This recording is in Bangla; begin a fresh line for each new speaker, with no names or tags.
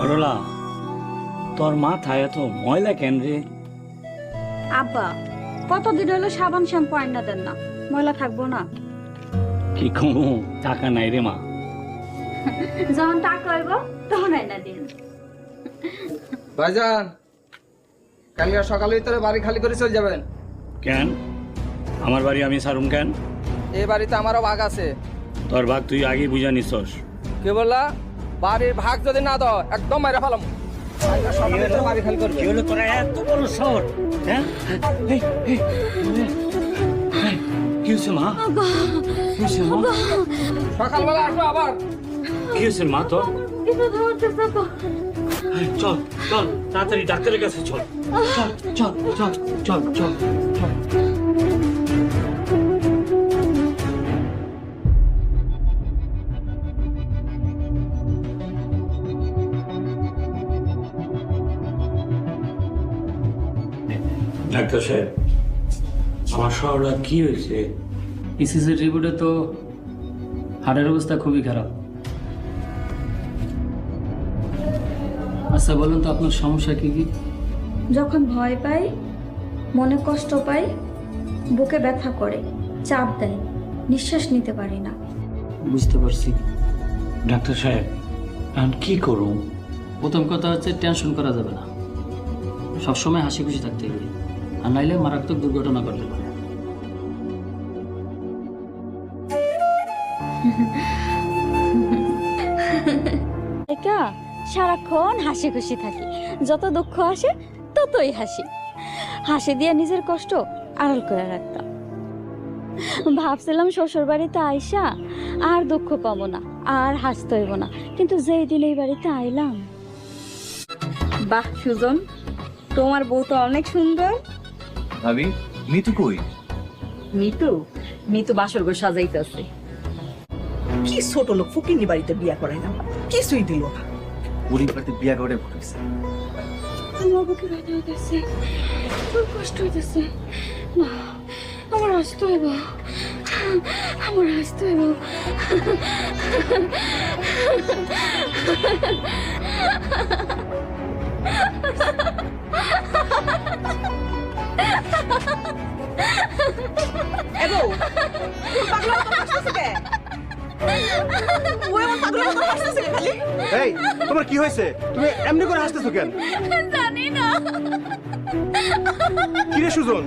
সরলা, তোর মাথায় এত ময়লা কেন রে?
আব্বা কতদিন হলো সাবান শ্যাম্পু আইনা দেন না, ময়লা থাকবো না?
কি কোনো টাকা নাই রে মা?
যখন টাকা হইব তখন আইনা দিন।
ভাইজান, কালকে সকালের ভিতরে বাড়ি খালি করে চলে যাবেন।
কেন আমার বাড়ি আমি সারুম কেন?
এই বাড়িতে আমারও ভাগ আছে।
তোর ভাগ তুই আগে বুঝা নিছস।
কে বললা? বাড়ির ভাগ যদি না দাও একদম মাইরা ফেলাম। সকালের ভিতরে বাড়ি খালি করবে।
কি হলো তোরা এত বড় শহর? হ্যাঁ এই, এই, এই, কি হয়েছে মা? কি হয়েছে মা?
সকালবেলা আসবো আবার।
কি হয়েছে মা তোর? এই, চল চল তাড়াতাড়ি ডাক্তারের কাছে চল। চল চল চল চল চল চল। ডাক্তার সাহেব, আমার শহরটা কি হয়েছে?
ইসিসি রিপোর্টে তো হাড়ের অবস্থা খুবই খারাপ। আচ্ছা বলুন তো আপনার সমস্যা কি কি?
যখন ভয় পাই, মনে কষ্ট পাই, বুকে ব্যথা করে, চাপ দেয়, নিঃশ্বাস নিতে পারি না।
বুঝতে পারছি।
ডাক্তার সাহেব, এখন কি করুন?
প্রথম কথা হচ্ছে টেনশন করা যাবে না, সবসময় হাসি খুশি থাকতে হবে, আর নাইলে মারাত্মক দুর্ঘটনা ঘটতে পারে।
একা সারাক্ষণ হাসি খুশি থাকি, যত দুঃখ আসে ততই হাসি। হাসি দিয়ে নিজের কষ্ট আড়াল করে রাখতাম। ভাবছিলাম শ্বশুর বাড়িতে আইসা আর দুঃখ পাবো না, আর হাসতে হইব না, কিন্তু যেই দিন এই বাড়িতে আইলাম। বাহ সুজন, তোমার বউ তো অনেক সুন্দর।
ভাবি, মিতু কই?
মিতু বাসর ঘর সাজাইতেছে।
কি ছোট লোক ফকিনি বাড়িতে বিয়া করাইলাম, কিছুই দিল না।
গরিব বাড়িতে বিয়া করে ঘটেছে।
আমার বুকে ব্যথা হইতেছে, খুব কষ্ট হইতেছে। না, আমার হাসতে হইব, আমার হাসতে হইব।
এবো পাগলা তো হাসতেছে কে? ওই আমার পাগলা তো হাসতেছে কে খালি?
এই, তোমার কি হয়েছে? তুমি এমনি করে হাসতেছো কেন?
জানি না।
কি রে সুজন,